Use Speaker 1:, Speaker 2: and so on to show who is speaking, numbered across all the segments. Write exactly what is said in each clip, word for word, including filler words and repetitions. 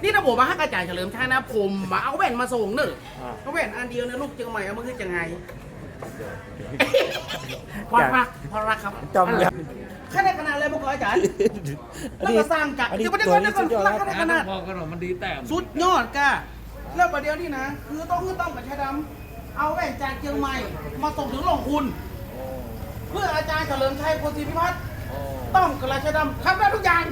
Speaker 1: นี่ถ้าผมมาให้กระจายเฉลิมชัยนะผมมาเอาแว่นมาส่งเนอะเอาแว่นอันเดียวนะลูกเชียงใหม่เอามาขึ้นยังไงพอรักพอรักครับ
Speaker 2: จำเลย
Speaker 1: แค่ในขนาดอะไรบ้างอาจารย์แล้วก็สร้างจาก
Speaker 2: อันนี้
Speaker 1: เดี๋ยวประเดี๋ยว
Speaker 2: ตัว
Speaker 1: เดี๋
Speaker 2: นี้
Speaker 1: ยว
Speaker 2: สุดยอด
Speaker 1: แล้
Speaker 2: แล้ว ว
Speaker 1: แค่ในขนาด
Speaker 3: พอกันหรอมันดีแต้ม
Speaker 1: สุดยอดก้าแล้วประเดี๋ยวนี่นะคือต้องคือต้องกับชายดำเอาแว่นจากเชียงใหม่มาส่งถึงหลวงคุณ เพื่ออาจารย์เฉลิมชัยโพธิพิพัฒน์ต้องกับราชดำทำได้ทุกอย่าง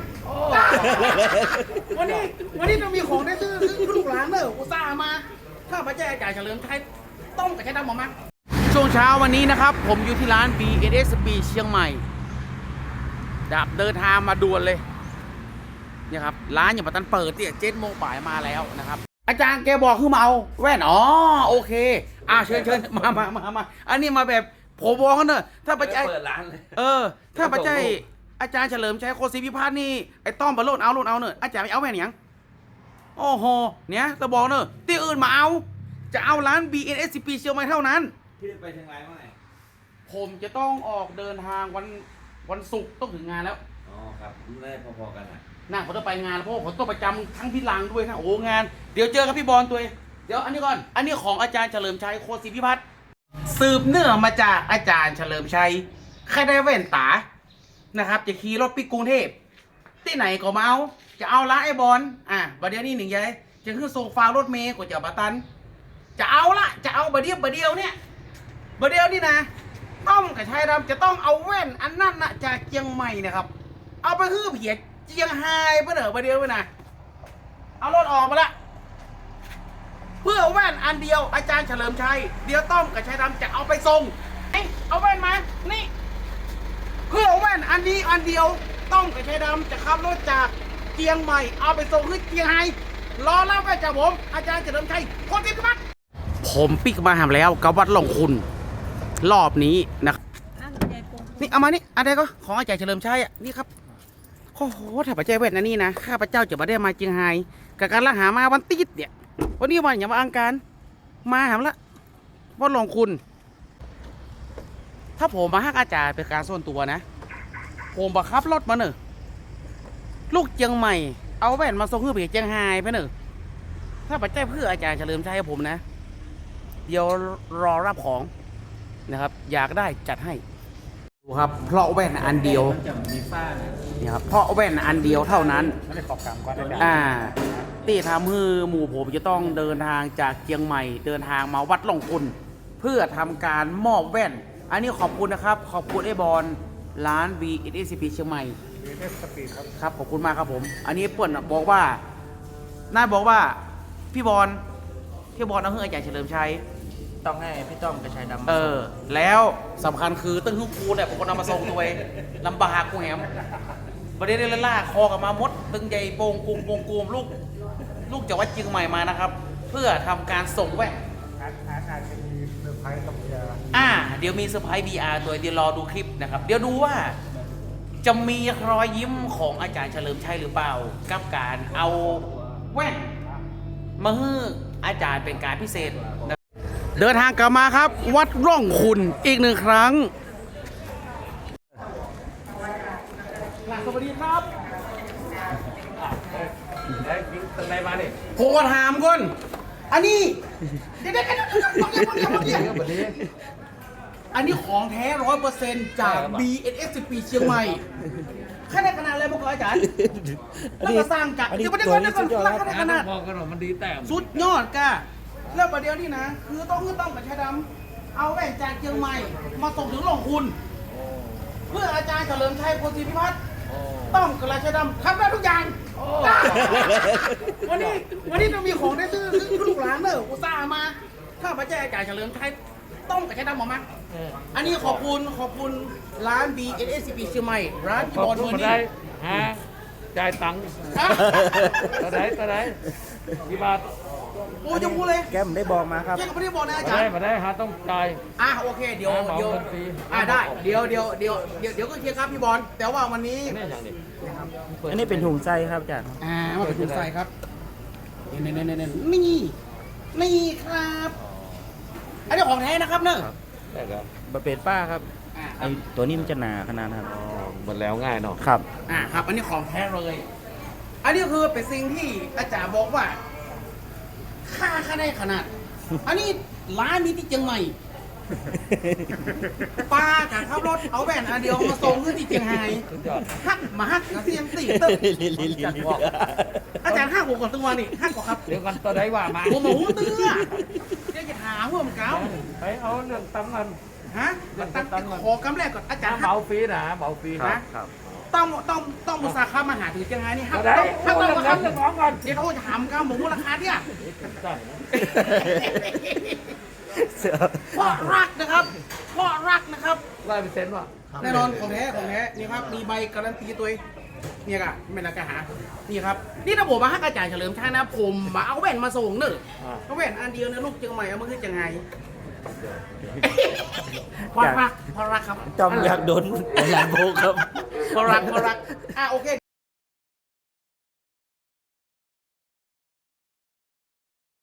Speaker 1: วันนี้วันนี้เรามีของได้ซื้อซื้อลูกหลานเนอะอุตส่าห์มาถ้าพระเจ้าอาจารย์เฉลิมชัยต้องกับชายดำออกมาช่วงเช้าวันนี้นะครับผมอยู่ที่ร้าน บี เอส เอส บี เชียงใหม่ดับเดินทางมาด่วนเลยเนี่ยครับร้านอย่างปัตตันเปิดเนี่ยเจ็ดโมงบ่ายมาแล้วนะครับอาจารย์แกบอกคือมาเอาแว่นอ๋อโอเคอ่าเชิญเชิญมามามามาอันนี้มาแบบผมบอกกันเนอะถ้าพระเจ้า
Speaker 3: เปิดร้านเลย
Speaker 1: เออถ้าพระเจ้าอาจารย์เฉลิมชัยโคศิพิพัฒน์นี่ไอ้ต้อมบอลโลดเอาโลดเอาเนอะอาจารย์ไม่เอาแว่นหยังโอ้โหเนี่ยตะบอกเนอะที่อื่นมาเอาจะเอาร้าน บี เอส เอส บี เชียงใหม่เท่านั้น
Speaker 3: พี่ไปเชียงรายเมื่อไหร่
Speaker 1: ผมจะต้องออกเดินทางวันวันศุกร์ต้องถึงงานแล้ว
Speaker 3: อ๋อครับได้พอๆกันอ่ะ
Speaker 1: น่าผมต้องไปงานแล้วเพราะว่าผมต้องประจำทั้งพี่ลังด้วยนะโอ้งานเดี๋ยวเจอกับพี่บอลตัวเองเดี๋ยวอันนี้ก่อนอันนี้ของอาจารย์เฉลิมชัยโคศิพิพัฒน์สืบเนื่องมาจากอาจารย์เฉลิมชัยใครได้แว่นตานะครับจะขี่รถไปกรุงเทพที่ไหนก็มาเอาจะเอาร้านไอ้บอลอ่ะบัดเดี๋ยวนี้หนึ่งยัยจะขึ้นโซฟารถเมย์กว่าจะบัตันจะเอาละจะเอาบัดเดียวบัดเดียวเนี่ยบัดเดียวนี่นะต้อมกับชายดำจะต้องเอาแว่นอันนั้นนะจากเชียงใหม่นะครับเอาไปฮื้อเพียเชียงไฮ้เพื่อเหนอบัดเดียวไปนะเอารถออกมาละเพื่อแว่นอันเดียวอาจารย์เฉลิมชัยเดี๋ยวต้อมกับชายดำจะเอาไปส่งเอ้ยเอาแว่นมานี่เพื่อแว่นอันนี้อันเดียวต้อมกับชายดำจะขับรถจากเชียงใหม่เอาไปส่งที่เชียงไฮ้รอรับไปจากผมอาจารย์เฉลิมชัยคนที่พักผมปิกมาหามแล้วกับวัดหลงคุณรอบนี้นะนี่เอามานี่อะไรก็ของอาจารย์เฉลิมชัยอ่ะนี่ครับโอ้โหถ้าพระเจ้าเวทนะนี่นะข้าพระเจ้าจะมาได้มาเชียงไฮ้กับการละหามาวันติดเนี่ยวันนี้วันอย่ามาอังการมาหามละวัดหลงคุณ ถ้าผมมาฮักอาจารย์เป็นการส่วนตัวนะผมบังคับรถมาเนอะลูกเชียงใหม่เอาแว่นมาส่งเพื่อไปเชียงไฮ้ไปเนอะถ้าปัจจัยเพื่ออาจารย์เฉลิมชัยผมนะเดี๋ยวรอรับของนะครับอยากได้จัดให้ดูครับเพราะแว่นอันเดียว
Speaker 3: จะมีฝ้า
Speaker 1: นี่ครับเพราะแว่นอันเดียวเท่านั้น
Speaker 2: ไม่ได้ขอบกรรมก่อนได้
Speaker 1: อ่าที่ทำให้หมู่ผมจะต้องเดินทางจากเชียงใหม่เดินทางมาวัดหลงคุณเพื่อทำการมอบแว่นอันนี้ขอบคุณนะครับขอบคุณไอ้บอลร้าน บี เอส เอส บี เชียงใหม่
Speaker 2: เอสปีครับ
Speaker 1: ครับขอบคุณมากครับผมอันนี้เปิ้ลบอกว่าน่าบอกว่าพี่บอลพี่บอลเอาเฮืออาจารย์เฉลิมชัย
Speaker 3: ต้องให้พี่ต้อมกับชายดำ
Speaker 1: เออแล้วสำคัญคือตึ้งฮึกูเนี่ยผมก็นำมาส่งตัวเองลำบากกูแหมประเด็นเล่นล่าคอกับมามดตึงใหญ่โป่งกุมโป่งกุมลูกลูกจากวัดเชียงใหม่มานะครับ เพื่อทำการส่งแว่น
Speaker 2: อาจอาจอาจจะมีเซอร์ไพรส์กับเบียร์
Speaker 1: อ่าเดี๋ยวมีเซอร์ไพรส์ บี อาร์ ตัวเดี๋ยวรอดูคลิปนะครับเดี๋ยวดูว่าจะมีรอยยิ้มของอาจารย์เฉลิมชัยหรือเปล่ากับการเอาแว่นมาให้อาจารย์เป็นการพิเศษนะเดินทางกลับมาครับ วัดร่องคุณอีกหนึ่งครั้งสวัสดีครับ
Speaker 3: ได้ยิงตึงไรมาเนี่ย
Speaker 1: ผมก็ถามก่อนอันนี้เดี๋ยวเดี๋ยวเดี๋ยวเดี๋ยวเดี๋ยวเดี๋ยวเดี๋ยว
Speaker 3: แบบนี้
Speaker 1: อันนี้ของแท้ร้อยเปอร์เซ็นต์จาก บี เอส เอส บี เชียงใหม่แค่ในขนาดอะไรบ้างอาจารย์แล้วก็สร้างจาก
Speaker 2: อันนี้
Speaker 1: เดี๋ยวประเดี๋ยว
Speaker 2: ตัว
Speaker 1: เดี๋
Speaker 2: นี้
Speaker 1: ยว
Speaker 2: สุดยอด
Speaker 1: ก่อน
Speaker 2: แล้ว
Speaker 1: แค่ในขนาด
Speaker 3: พอกันหรอมันดีแต้ม
Speaker 1: สุดยอดก้าแล้วประเดี๋ยวนี้นะ คือต้องคือต้องกับชายดำเอาแว่นจากเชียงใหม่มาส่งถึงหลวงคุณ เพื่ออาจารย์เฉลิมชัยโพธิพิพัฒน์ต้องกับราชดำทำได้ทุกอย่างวันนี้วันนี้เรามีของได้ซื้อซื้อลูกหลานเนอะอุตส่าห์มาถ้าพระเจ้าอาจารย์เฉลิมชัยต้องกับชายดำออกมาอันนี้ขอบคุณขอบคุณร้าน บี เอส เอส บี เชียงใหม่ร้านพี่
Speaker 3: ขอ
Speaker 1: บบ อล
Speaker 3: คุ
Speaker 1: เมอ
Speaker 3: ณ
Speaker 1: ร์
Speaker 3: ได้
Speaker 1: นี่
Speaker 3: ฮะจ่ายตังค์
Speaker 1: ฮะ
Speaker 3: ตอนไหนตอนไหนกี่บาท
Speaker 1: โอ้ยจะพูดเลย
Speaker 2: แก้มได้บอกมาครับ
Speaker 1: เจ๊ก็ไม่ได้บอกนะอา
Speaker 3: มา
Speaker 1: จาร
Speaker 3: ได้
Speaker 1: ย์
Speaker 3: มาได้ฮะต้องจ่าย
Speaker 1: อ่ะโอเคเดี๋ยว
Speaker 3: อ่ะเหมา
Speaker 1: เดี๋ยว
Speaker 3: เงินฟรี
Speaker 1: อ่ะได้เดี๋ยวเดี๋ยวเดี๋ยวเดี๋ยวเดี๋ยวก็เคลียร์ครับพี่บอลแต่ว่าวันนี้
Speaker 3: นี่อย่างนี้
Speaker 2: อันนี้เป็นถุงไส้ครับอาจารย์
Speaker 1: อ่ามาเป็นถุงใส่ครับนี่นี่นี่นี่นี่นี่ครับอันนี้ของแท้นะครับเนอะ
Speaker 3: ได้ครับ
Speaker 2: บะเป็ดป้าครับ
Speaker 1: อ่าค
Speaker 2: ไอ
Speaker 1: รับ
Speaker 2: ตัวนี้มันจะหนาขนาดครับ
Speaker 3: หมดแล้วง่ายเนาะ
Speaker 2: ครับ
Speaker 1: อ่าครับอันนี้ของแท้เลย อันอันนี้คือเป็นสิ่งที่อาจารย์บอกว่าค่าค่าได้ขนาด อันนี้ร้านมีที่เชียงใหม่ป้ากับขับรถเอาแว่นอันเดียวมาส่งขึ้นที่เชียงไฮ้
Speaker 3: สุดยอด
Speaker 1: ฮักมาฮักกับเสียงสี่ตึ๊บอาจารย์ห้าหัวก่อนตัวนี่ห้าก่อนครับ
Speaker 3: เดี๋ยวกันตัวไหนว่ามา
Speaker 1: หัวหมูเตื้อเดี๋ยวจะหาหัวมันเก่า
Speaker 3: ไปเอาเรื่องตังค์กัน
Speaker 1: ฮะตั้งแต่ขอกำแรกก่อนอาจารย์
Speaker 3: เบาฟรีนะเบาฟรี
Speaker 1: ครั
Speaker 3: นะ
Speaker 1: บ ต้องต้องต้องมุสาขามาหาถึงเชียงไฮ้นี่ฮัก
Speaker 3: ตัวไหน
Speaker 1: ฮัก
Speaker 3: เอา
Speaker 1: ต้อง
Speaker 3: เรื่อง
Speaker 1: มา
Speaker 3: เงิ
Speaker 1: ครับ
Speaker 3: นเรื่องของก่อน
Speaker 1: เดี๋ยวเขาจะถามก้าหมูราคาเนี่ย
Speaker 3: จ้ะ
Speaker 1: เพราะรักนะครับเพราะรักนะครับ
Speaker 3: ร้อยเปอร์เซ็นต์ว่ะ
Speaker 1: แน่นอนของแท้ของแท้นี่ครับมีใบการันตีตัวเองเนี่ยกะไม่น่ากะหานี่ครับนี่ถ้าผมมาฮักอาจารย์เฉลิมชัยนะผมมาเอาแว่นมาส่งเนอะ
Speaker 3: อ่า
Speaker 1: เอาแว่นอันเดียวเนี่ยลูกเชียงใหม่เอามาขึ้นจังไงเพราะรักเพราะรักครับ
Speaker 2: จอมอยากโดนหลานโบครับ
Speaker 1: เพราะรักเพราะรักอ่ะโอเค